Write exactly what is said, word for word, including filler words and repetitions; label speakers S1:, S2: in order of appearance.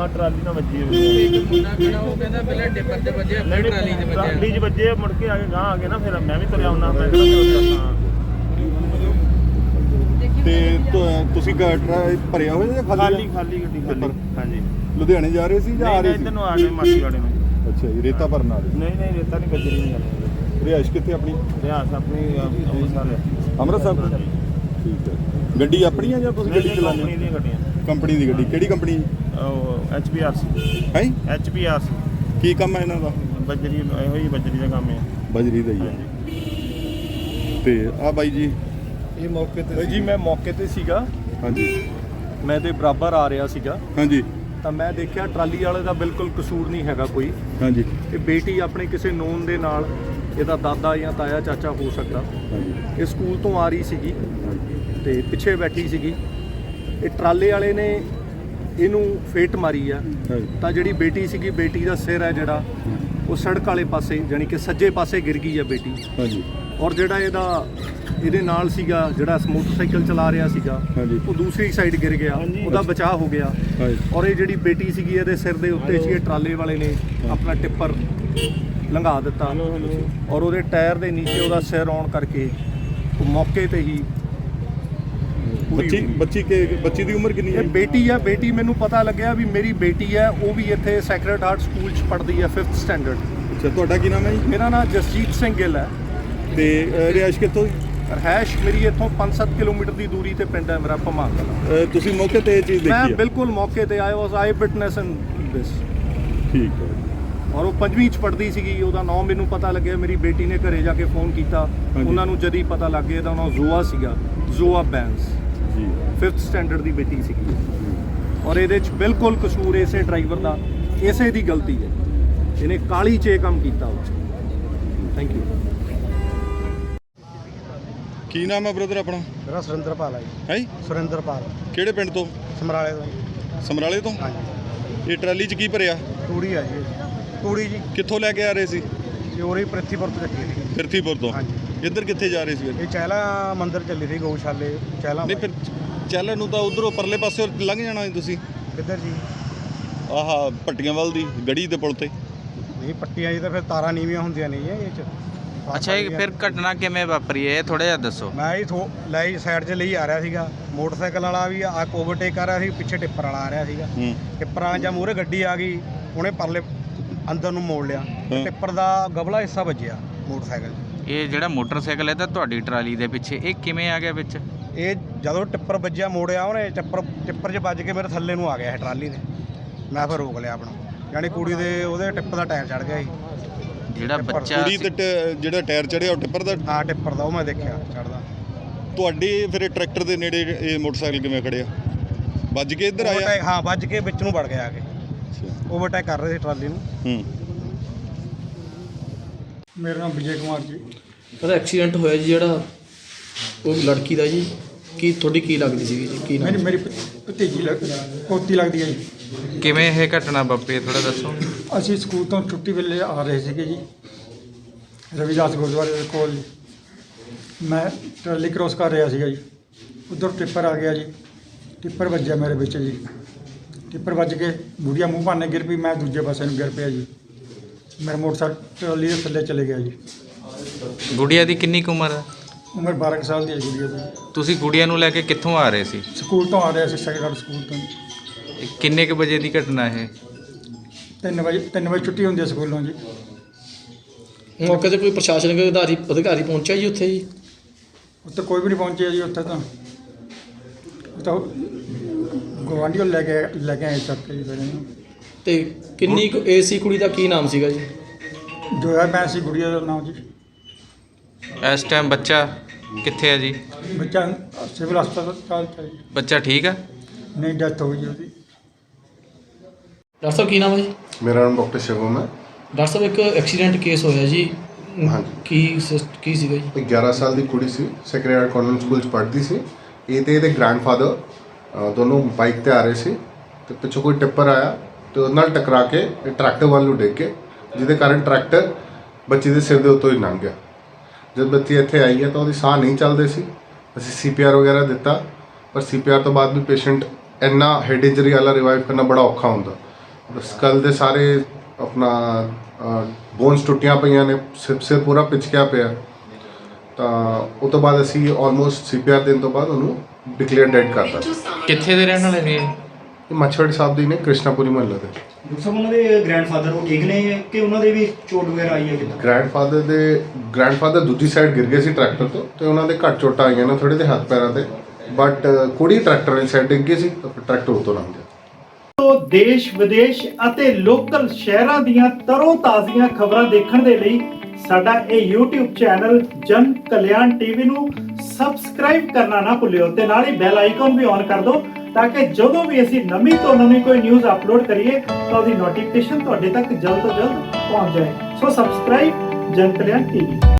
S1: Trolley ਨਾਲ ਵੱਜੀ ਹੋਈ
S2: ਮੁੰਡਾ ਖੜਾ ਉਹ ਕਹਿੰਦਾ ਪਹਿਲਾਂ ਟਿੱਪਰ ਤੇ ਵੱਜੇ ਫਿਰ ਟਰਾਲੀ 'ਚ ਵੱਜਿਆ।
S1: ਟਰਾਲੀ 'ਚ ਵੱਜੇ ਮੁੜ ਕੇ ਆ ਕੇ ਗਾਂ ਆ ਗਏ ਨਾ, ਫਿਰ ਮੈਂ ਵੀ ਤੁਰਿਆ ਹੁੰਦਾ। ਮੈਂ ਕਿਹਾ
S3: ਤੇ ਤੁਸੀਂ ਭਰਿਆ ਹੋਇਆ ਜਾਂ
S1: ਖਾਲੀ ਖਾਲੀ ਗੱਡੀ ਖਾਲੀ? ਹਾਂਜੀ।
S3: ਲੁਧਿਆਣੇ ਜਾ ਰਹੇ ਸੀ ਜਾਂ ਆ ਰਹੇ ਸੀ?
S1: ਇੱਧਰ ਨੂੰ ਆ ਗਏ ਮਾਸੀ ਵਾਲੇ ਨੂੰ।
S3: ਅੱਛਾ ਜੀ, ਰੇਤਾ ਭਰਨ ਆ ਰਹੇ?
S1: ਨਹੀਂ ਨਹੀਂ, ਰੇਤਾ ਨਹੀਂ, ਗੱਜਰੀ ਨਹੀਂ ਜਾਂਦੇ।
S3: ਰਿਹਾਇਸ਼ ਕਿੱਥੇ ਆਪਣੀ?
S1: ਰਿਹਾਇਸ਼ ਆਪਣੀ ਅੰਮ੍ਰਿਤਸਰ।
S3: ਅੰਮ੍ਰਿਤਸਰ ਤੋਂ? ਠੀਕ ਹੈ। ਗੱਡੀ ਆਪਣੀ ਆ ਜਾਂ ਤੁਸੀਂ ਗੱਡੀ ਚਲਾਉਂਦੇ?
S1: ਕੰਪਨੀ ਦੀਆਂ ਗੱਡੀਆਂ।
S3: ਕੰਪਨੀ ਦੀ ਗੱਡੀ? ਕਿਹੜੀ ਕੰਪਨੀ?
S1: ਉਹ ਐਚ ਪੀ ਆਰ ਸੀ।
S3: ਹੈ
S1: ਐਚ ਪੀ ਆਰ ਸੀ।
S3: ਕੀ ਕੰਮ ਹੈ ਇਹਨਾਂ ਦਾ?
S1: ਬੱਜਰੀ, ਇਹੋ ਹੀ ਬੱਜਰੀ ਦਾ ਕੰਮ ਹੈ।
S3: ਬਜਰੀ ਦਾ ਹੀ ਹੈ। ਤੇ ਆ ਬਾਈ ਜੀ,
S4: ਇਹ ਮੌਕੇ ਤੇ ਜੀ ਮੈਂ ਮੌਕੇ ਤੇ ਸੀਗਾ।
S3: ਹਾਂਜੀ।
S4: ਮੈਂ ਤੇ ਬਰਾਬਰ ਆ ਰਿਹਾ ਸੀਗਾ
S3: ਹਾਂਜੀ।
S4: ਤਾਂ ਮੈਂ ਦੇਖਿਆ ਟਰਾਲੀ ਵਾਲੇ ਦਾ ਬਿਲਕੁਲ ਕਸੂਰ ਨਹੀਂ ਹੈਗਾ ਕੋਈ।
S3: ਹਾਂਜੀ।
S4: ਇਹ ਬੇਟੀ ਆਪਣੇ ਕਿਸੇ ਨੋਨ ਦੇ ਨਾਲ, ਇਹਦਾ ਦਾਦਾ ਜਾਂ ਤਾਇਆ ਚਾਚਾ ਹੋ ਸਕਦਾ,
S3: ਹਾਂਜੀ।
S4: ਇਹ ਸਕੂਲ ਤੋਂ ਆ ਰਹੀ ਸੀਗੀ ਤੇ ਪਿੱਛੇ ਬੈਠੀ ਸੀਗੀ। ਇਹ ਟਰਾਲੇ ਵਾਲੇ ਨੇ ਇਹਨੂੰ ਫੇਟ ਮਾਰੀ ਆ। ਤਾਂ ਜਿਹੜੀ ਬੇਟੀ ਸੀਗੀ, ਬੇਟੀ ਦਾ ਸਿਰ ਹੈ ਜਿਹੜਾ ਉਹ ਸੜਕ ਵਾਲੇ ਪਾਸੇ, ਜਾਣੀ ਕਿ ਸੱਜੇ ਪਾਸੇ ਗਿਰ ਗਈ ਆ ਬੇਟੀ।
S3: ਹਾਂਜੀ।
S4: ਔਰ ਜਿਹੜਾ ਇਹਦਾ ਇਹਦੇ ਨਾਲ ਸੀਗਾ, ਜਿਹੜਾ ਮੋਟਰਸਾਈਕਲ ਚਲਾ ਰਿਹਾ ਸੀਗਾ, ਉਹ ਦੂਸਰੀ ਸਾਈਡ ਗਿਰ ਗਿਆ, ਉਹਦਾ ਬਚਾਅ ਹੋ ਗਿਆ। ਔਰ ਇਹ ਜਿਹੜੀ ਬੇਟੀ ਸੀਗੀ ਇਹਦੇ ਸਿਰ ਦੇ ਉੱਤੇ ਸੀ, ਇਹ ਟਰਾਲੇ ਵਾਲੇ ਨੇ ਆਪਣਾ ਟਿੱਪਰ ਲੰਘਾ ਦਿੱਤਾ ਔਰ ਉਹਦੇ ਟਾਇਰ ਦੇ ਨੀਚੇ ਉਹਦਾ ਸਿਰ ਆਉਣ ਕਰਕੇ ਉਹ ਮੌਕੇ ਤੇ ਹੀ।
S3: ਬੱਚੀ ਬੱਚੀ ਕੇ ਬੱਚੀ ਦੀ ਉਮਰ ਕਿੰਨੀ ਹੈ?
S4: ਇਹ ਬੇਟੀ ਆ। ਬੇਟੀ ਮੈਨੂੰ ਪਤਾ ਲੱਗਿਆ ਵੀ ਮੇਰੀ ਬੇਟੀ ਹੈ, ਉਹ ਵੀ ਇੱਥੇ ਸੈਕਰਡ ਹਾਰਟ ਸਕੂਲ 'ਚ ਪੜ੍ਹਦੀ ਹੈ, ਫਿਫਥ ਸਟੈਂਡਰਡ।
S3: ਅੱਛਾ, ਤੁਹਾਡਾ ਕੀ ਨਾਮ ਹੈ ਜੀ?
S4: ਮੇਰਾ ਨਾਮ ਜਸਜੀਤ ਸਿੰਘ ਗਿੱਲ ਹੈ।
S3: ਤੇ ਰਿਹਾਇਸ਼ ਕਿੱਥੋਂ?
S4: ਰਹਿਸ਼ ਮੇਰੀ ਇੱਥੋਂ ਪੰਜ ਸੱਤ ਕਿਲੋਮੀਟਰ ਦੀ ਦੂਰੀ ਤੇ ਪਿੰਡ ਹੈ ਮੇਰਾ ਭਮਾਂ ਕਲਾਂ।
S3: ਤੁਸੀਂ ਮੌਕੇ ਤੇ ਇਹ ਚੀਜ਼ ਦੇਖੀ?
S4: ਮੈਂ
S3: ਹੈ?
S4: ਬਿਲਕੁਲ ਮੌਕੇ ਤੇ ਆਇਆ, ਵਾਸ ਆਈ ਵਿਟਨੈਸ ਇਨ ਦਿਸ।
S3: ਠੀਕ ਹੈ।
S4: ਔਰ ਉਹ ਪੰਜਵੀਂ 'ਚ ਪੜ੍ਹਦੀ ਸੀਗੀ। ਉਹਦਾ ਨਾਮ ਮੈਨੂੰ ਪਤਾ ਲੱਗਿਆ, ਮੇਰੀ ਬੇਟੀ ਨੇ ਘਰੇ ਜਾ ਕੇ ਫੋਨ ਕੀਤਾ, ਉਹਨਾਂ ਨੂੰ ਜਦ ਹੀ ਪਤਾ ਲੱਗ ਗਿਆ ਇਹਦਾ ਨਾਮ ਜ਼ੋਆ ਸੀਗਾ, ਜ਼ੋਆ ਬੈਂਸ ਜੀ, ਫਿਫਥ ਸਟੈਂਡਰਡ ਦੀ ਬੇਟੀ ਸੀਗੀ। ਔਰ ਇਹਦੇ 'ਚ ਬਿਲਕੁਲ ਕਸੂਰ ਇਸੇ ਡਰਾਈਵਰ ਦਾ, ਇਸੇ ਦੀ ਗਲਤੀ ਹੈ। ਇਹਨੇ ਕਾਲੀ 'ਚ ਇਹ ਕੰਮ ਕੀਤਾ। Thank you.
S3: ਕੀ ਨਾਮ ਹੈ ਬ੍ਰਦਰ ਆਪਣਾ?
S5: ਮੇਰਾ ਸੁਰਿੰਦਰਪਾਲ ਹੈ ਜੀ।
S3: ਹੈ
S5: ਸੁਰਿੰਦਰਪਾਲ।
S3: ਕਿਹੜੇ ਪਿੰਡ ਤੋਂ?
S5: ਸਮਰਾਲੇ ਤੋਂ।
S3: ਸਮਰਾਲੇ ਤੋਂ?
S5: ਹਾਂਜੀ।
S3: ਇਹ ਟਰਾਲੀ 'ਚ ਕੀ ਭਰਿਆ?
S5: ਤੂੜੀ ਆ ਜੀ। ਤੂੜੀ ਜੀ।
S3: ਕਿੱਥੋਂ ਲੈ ਕੇ ਆ ਰਹੇ ਸੀ?
S5: ਚੋਰੀ ਪ੍ਰਿਥੀਪੁਰ ਤੋਂ ਚੱਕੀ ਸੀ।
S3: ਪ੍ਰਿਥੀਪੁਰ ਤੋਂ?
S5: ਹਾਂਜੀ।
S3: ਇੱਧਰ ਕਿੱਥੇ ਜਾ ਰਹੇ ਸੀ?
S5: ਇਹ ਚਹਿਲਾ ਮੰਦਿਰ ਚੱਲੀ ਸੀ, ਗਊਸ਼ਾਲੇ ਚਹਿਲਾ।
S3: ਨਹੀਂ, ਫਿਰ ਚੱਲਣ ਨੂੰ ਤਾਂ ਉਧਰੋਂ ਪਰਲੇ ਪਾਸੇ ਲੰਘ ਜਾਣਾ ਸੀ ਤੁਸੀਂ।
S5: ਕਿੱਧਰ ਜੀ?
S3: ਆਹ ਭੱਟੀਆਂ ਵੱਲ ਦੀ ਗੜੀ ਦੇ ਪੁਲ ਤੇ।
S5: ਨਹੀਂ, ਪੱਟੀਆਂ ਜੀ ਤਾਂ ਫਿਰ ਤਾਰਾਂ ਨੀਵੀਆਂ ਹੁੰਦੀਆਂ ਨਹੀਂ ਇਹ 'ਚ।
S2: ਅੱਛਾ, ਇਹ ਫਿਰ ਘਟਨਾ ਕਿਵੇਂ ਵਾਪਰੀ ਹੈ, ਇਹ ਥੋੜਾ ਜਿਹਾ ਦੱਸੋ।
S5: ਮੈਂ ਜੀ ਥੋ ਲਈ ਸਾਈਡ 'ਚ ਲਈ ਆ ਰਿਹਾ ਸੀਗਾ, ਮੋਟਰਸਾਈਕਲ ਵਾਲਾ ਵੀ ਆ ਓਵਰਟੇਕ ਕਰ ਰਿਹਾ ਸੀ, ਪਿੱਛੇ ਟਿੱਪਰ ਵਾਲਾ ਆ ਰਿਹਾ ਸੀਗਾ। ਟਿੱਪਰਾਂ ਜਾਂ ਮੂਹਰੇ ਗੱਡੀ ਆ ਗਈ, ਉਹਨੇ ਪਰਲੇ ਅੰਦਰ ਨੂੰ ਮੋੜ ਲਿਆ। ਟਿੱਪਰ ਦਾ ਗਬਲਾ ਹਿੱਸਾ ਵੱਜਿਆ ਮੋਟਰਸਾਈਕਲ 'ਚ।
S2: ਇਹ ਜਿਹੜਾ ਮੋਟਰਸਾਈਕਲ ਹੈ ਤਾਂ ਤੁਹਾਡੀ ਟਰਾਲੀ ਦੇ ਪਿੱਛੇ, ਇਹ ਕਿਵੇਂ ਆ ਗਿਆ ਵਿੱਚ?
S5: ਇਹ ਜਦੋਂ ਟਿੱਪਰ ਵੱਜਿਆ, ਮੋੜਿਆ ਉਹਨੇ, ਟਿੱਪਰ ਟਿੱਪਰ 'ਚ ਵੱਜ ਕੇ ਮੇਰੇ ਥੱਲੇ ਨੂੰ ਆ ਗਿਆ ਇਹ ਟਰਾਲੀ ਦੇ। ਮੈਂ ਫਿਰ ਰੋਕ ਲਿਆ ਆਪਣਾ, ਯਾਨੀ ਕੁੜੀ ਦੇ ਉਹਦੇ ਟਿੱਪ ਦਾ ਟਾਇਰ ਚੜ ਗਿਆ ਸੀ।
S2: ਜਿਹੜਾ ਬੱਚਾ
S3: ਕੁੜੀ ਤੇ ਜਿਹੜਾ ਟਾਇਰ ਚੜਿਆ ਉਹ ਟਿੱਪਰ ਦਾ?
S5: ਹਾਂ, ਟਿੱਪਰ ਦਾ, ਉਹ ਮੈਂ ਦੇਖਿਆ ਚੜਦਾ।
S3: ਤੁਹਾਡੇ ਫਿਰ ਇਹ ਟਰੈਕਟਰ ਦੇ ਨੇੜੇ ਇਹ ਮੋਟਰਸਾਈਕਲ ਕਿਵੇਂ ਖੜਿਆ? ਵੱਜ ਕੇ ਇੱਧਰ ਆਇਆ?
S5: ਹਾਂ, ਵੱਜ ਕੇ ਵਿੱਚ ਨੂੰ ਵੜ ਗਿਆ ਆ ਕੇ। ਓਵਰਟੇਕ ਕਰ ਰਹੇ ਸੀ ਟਰਾਲੀ ਨੂੰ।
S3: ਹੂੰ।
S6: ਮੇਰਾ ਨਾਮ ਵਿਜੇ ਕੁਮਾਰ ਜੀ।
S7: ਉਹਦਾ ਐਕਸੀਡੈਂਟ ਹੋਇਆ ਜੀ ਜਿਹੜਾ, ਉਹ ਲੜਕੀ ਦਾ ਜੀ। ਕੀ ਤੁਹਾਡੀ ਕੀ ਲੱਗਦੀ ਸੀਗੀ ਜੀ? ਕੀ
S6: ਮੇਰੀ ਮੇਰੀ ਭਤੀਜੀ ਲੱਗ ਪੋਤੀ ਲੱਗਦੀ ਹੈ ਜੀ।
S2: ਕਿਵੇਂ ਇਹ ਘਟਨਾ ਵਾਪਰੀ, ਥੋੜਾ ਦੱਸੋ।
S6: ਅਸੀਂ ਸਕੂਲ ਤੋਂ ਛੁੱਟੀ ਵੇਲੇ ਆ ਰਹੇ ਸੀਗੇ ਜੀ, ਰਵਿਦਾਸ ਗੁਰਦੁਆਰੇ ਦੇ ਕੋਲ ਜੀ। ਮੈਂ ਟਰਾਲੀ ਕ੍ਰੋਸ ਕਰ ਰਿਹਾ ਸੀਗਾ ਜੀ, ਉੱਧਰ ਟਿੱਪਰ ਆ ਗਿਆ ਜੀ। ਟਿੱਪਰ ਵੱਜਿਆ ਮੇਰੇ ਵਿੱਚ ਜੀ। ਟਿੱਪਰ ਵੱਜ ਕੇ ਬੁੜੀਆ ਮੂੰਹ ਭਾਨੇ ਗਿਰ ਪਈ, ਮੈਂ ਦੂਜੇ ਪਾਸੇ ਨੂੰ ਗਿਰ ਪਿਆ ਜੀ। ਮੇਰਾ ਮੋਟਰਸਾਈਕਲ ਟਰਾਲੀ ਦੇ ਥੱਲੇ ਚਲੇ ਗਿਆ ਜੀ।
S2: ਗੁੜੀਆ ਦੀ ਕਿੰਨੀ ਕੁ ਉਮਰ ਹੈ?
S6: ਉਮਰ ਬਾਰਾਂ ਕੁ ਸਾਲ ਦੀ ਹੈ ਗੁੜੀਆ ਦੀ।
S2: ਤੁਸੀਂ ਗੁੜੀਆ ਨੂੰ ਲੈ ਕੇ ਕਿੱਥੋਂ ਆ ਰਹੇ ਸੀ?
S6: ਸਕੂਲ ਤੋਂ ਆ ਰਿਹਾ ਸੀ, ਸੈਕੰਡ ਸਕੂਲ ਤੋਂ।
S2: ਇਹ ਕਿੰਨੇ ਕੁ ਵਜੇ ਦੀ ਘਟਨਾ ਇਹ?
S6: ਤਿੰਨ ਵਜੇ ਤਿੰਨ ਵਜੇ ਛੁੱਟੀ ਹੁੰਦੀ ਹੈ ਸਕੂਲੋਂ ਜੀ।
S7: ਮੌਕੇ 'ਤੇ ਕੋਈ ਪ੍ਰਸ਼ਾਸਨਿਕ ਅਧਿਕਾਰੀ ਅਧਿਕਾਰੀ ਪਹੁੰਚਿਆ ਜੀ ਉੱਥੇ ਜੀ?
S6: ਉੱਥੇ ਕੋਈ ਵੀ ਨਹੀਂ ਪਹੁੰਚਿਆ ਜੀ। ਉੱਥੇ ਤਾਂ ਉਹ ਤਾਂ ਗੁਆਂਢੀਓ ਲੈ ਕੇ ਲੈ ਕੇ ਆਏ ਚੱਕ ਕੇ ਜੀ ਫਿਰ ਇਹਨੂੰ।
S7: ਤੇ ਕਿੰਨੀ ਕੁ ਏਜ ਸੀ ਕੁੜੀ ਦਾ? ਕੀ ਨਾਮ ਸੀਗਾ ਜੀ?
S6: ਜੋਇਆ ਮੈਂ ਸੀ ਗੁੜੀਆ ਦਾ ਨਾਮ ਜੀ।
S2: ਇਸ ਟਾਈਮ ਬੱਚਾ ਕਿੱਥੇ ਹੈ ਜੀ?
S6: ਬੱਚਾ ਸਿਵਲ ਹਸਪਤਾਲ 'ਚ ਹੈ ਜੀ।
S2: ਬੱਚਾ ਠੀਕ ਆ?
S6: ਨਹੀਂ, ਡੈਥ ਹੋ ਗਈ ਉਹਦੀ।
S7: ਡਾਕਟਰ ਸਾਹਿਬ ਕੀ ਨਾਮ ਹੈ ਜੀ?
S8: ਮੇਰਾ ਨਾਮ ਡਾਕਟਰ ਸ਼ਿਵਮ ਹੈ।
S7: ਡਾਕਟਰ ਸਾਹਿਬ ਇੱਕ ਐਕਸੀਡੈਂਟ ਕੇਸ ਹੋਇਆ ਜੀ।
S8: ਹਾਂਜੀ।
S7: ਕੀ ਸਿਸ- ਕੀ ਸੀਗਾ ਜੀ?
S8: ਇੱਕ ਗਿਆਰਾਂ ਸਾਲ ਦੀ ਕੁੜੀ ਸੀ, ਸੈਕਰਡ ਹਾਰਟ ਕਾਨਵੈਂਟ ਸਕੂਲ 'ਚ ਪੜ੍ਹਦੀ ਸੀ। ਇਹ ਤੇ ਇਹਦੇ ਗ੍ਰੈਂਡਫਾਦਰ ਦੋਨੋਂ ਬਾਈਕ ਤੇ ਆ ਰਹੇ ਸੀ ਤੇ ਪਿੱਛੋਂ ਕੋਈ ਟਿੱਪਰ ਆਇਆ ਤੇ ਉਹਦੇ ਨਾਲ ਟਕਰਾ ਕੇ ਇਹ ਟਰੈਕਟਰ ਵੱਲ ਨੂੰ ਡਿੱਗ ਕੇ, ਜਿਹਦੇ ਕਾਰਨ ਟਰੈਕਟਰ ਬੱਚੀ ਦੇ ਸਿਰ ਦੇ ਉੱਤੋਂ ਹੀ ਲੰਘ ਗਿਆ। ਜਦ ਬੱਚੀ ਇੱਥੇ ਆਈ ਹੈ ਤਾਂ ਉਹਦੀ ਸਾਹ ਨਹੀਂ ਚੱਲਦੇ ਸੀ। ਅਸੀਂ ਸੀ ਪੀ ਆਰ ਵਗੈਰਾ ਦਿੱਤਾ, ਪਰ ਸੀ ਪੀ ਆਰ ਤੋਂ ਬਾਅਦ ਵੀ ਪੇਸ਼ੈਂਟ ਇੰਨਾ ਹੈਡ ਇੰਜਰੀ ਵਾਲਾ ਰਿਵਾਈਵ ਕਰਨਾ ਬੜਾ ਔਖਾ ਹੁੰਦਾ। ਸਕਲ ਦੇ ਸਾਰੇ ਆਪਣਾ ਬੋਨਸ ਟੁੱਟੀਆਂ ਪਈਆਂ ਨੇ, ਸਿਰ ਸਿਰ ਪੂਰਾ ਪਿਚਕਿਆ ਪਿਆ। ਤਾਂ ਉਹ ਤੋਂ ਬਾਅਦ ਅਸੀਂ ਆਲਮੋਸਟ ਸੀ ਪੀ ਆਰ ਦੇਣ ਤੋਂ ਬਾਅਦ ਉਹਨੂੰ ਡਿਕਲੇਅਰ ਡੈਡ ਕਰਤਾ।
S2: ਕਿੱਥੇ ਦੇ ਰਹਿਣ ਵਾਲੇ ਨੇ ਇਹ?
S8: ਇਹ ਮੱਛਵਾੜੀ ਸਾਹਿਬ ਦੀ ਨੇ, ਕ੍ਰਿਸ਼ਨਾਪੁਰੀ ਮਹੱਲੇ ਦੇ।
S9: ਡਾਕਟਰ ਸਾਹਿਬ ਉਹਨਾਂ ਦੇ ਗ੍ਰੈਂਡਫਾਦਰ ਉਹ ਠੀਕ ਨੇ ਕਿ ਉਹਨਾਂ ਦੇ ਵੀ ਚੋਟ ਵਗੈਰਾ ਆਈ ਹੈ ਕਿੱਦਾਂ?
S8: ਗ੍ਰੈਂਡਫਾਦਰ ਦੇ ਗ੍ਰੈਂਡਫਾਦਰ ਦੂਜੀ ਸਾਈਡ ਗਿਰ ਗਏ ਸੀ ਟਰੈਕਟਰ ਤੋਂ, ਤੇ ਉਹਨਾਂ ਦੇ ਘੱਟ ਚੋਟਾਂ ਆਈਆਂ ਨੇ ਥੋੜੇ ਦੇ ਹੱਥ ਪੈਰਾਂ ਤੇ, ਬਟ ਕੁੜੀ ਟਰੈਕਟਰ ਵਾਲੀ ਸਾਈਡ ਡਿੱਗ ਗਈ ਸੀ ਤਾਂ ਫਿਰ ਟਰੈਕਟਰ ਉੱਤੋਂ ਲੰਘ ਗਿਆ।
S10: ਤੋਂ ਦੇਸ਼ ਵਿਦੇਸ਼ ਅਤੇ ਲੋਕਲ ਸ਼ਹਿਰਾਂ ਦੀਆਂ ਤਰੋ ਤਾਜ਼ੀਆਂ ਖਬਰਾਂ ਦੇਖਣ ਦੇ ਲਈ ਸਾਡਾ ਇਹ YouTube ਚੈਨਲ ਜਨ ਕਲਿਆਣ ਟੀਵੀ ਨੂੰ ਸਬਸਕ੍ਰਾਈਬ ਕਰਨਾ ਨਾ ਭੁੱਲਿਓ ਤੇ ਨਾਲ ਹੀ ਬੈਲ ਆਈਕਨ ਵੀ ਔਨ ਕਰ ਦਿਓ ਤਾਂ ਕਿ ਜਦੋਂ ਵੀ ਅਸੀਂ ਨਵੀਂ ਤੋਂ ਨਵੀਂ ਕੋਈ ਨਿਊਜ਼ ਅਪਲੋਡ ਕਰੀਏ ਤਾਂ ਉਹਦੀ ਨੋਟੀਫਿਕੇਸ਼ਨ ਤੁਹਾਡੇ ਤੱਕ ਜਲਦ ਤੋਂ ਜਲਦ ਪਹੁੰਚ ਜਾਏ। ਸੋ ਸਬਸਕ੍ਰਾਈਬ ਜਨ ਕਲਿਆਣ ਟੀਵੀ।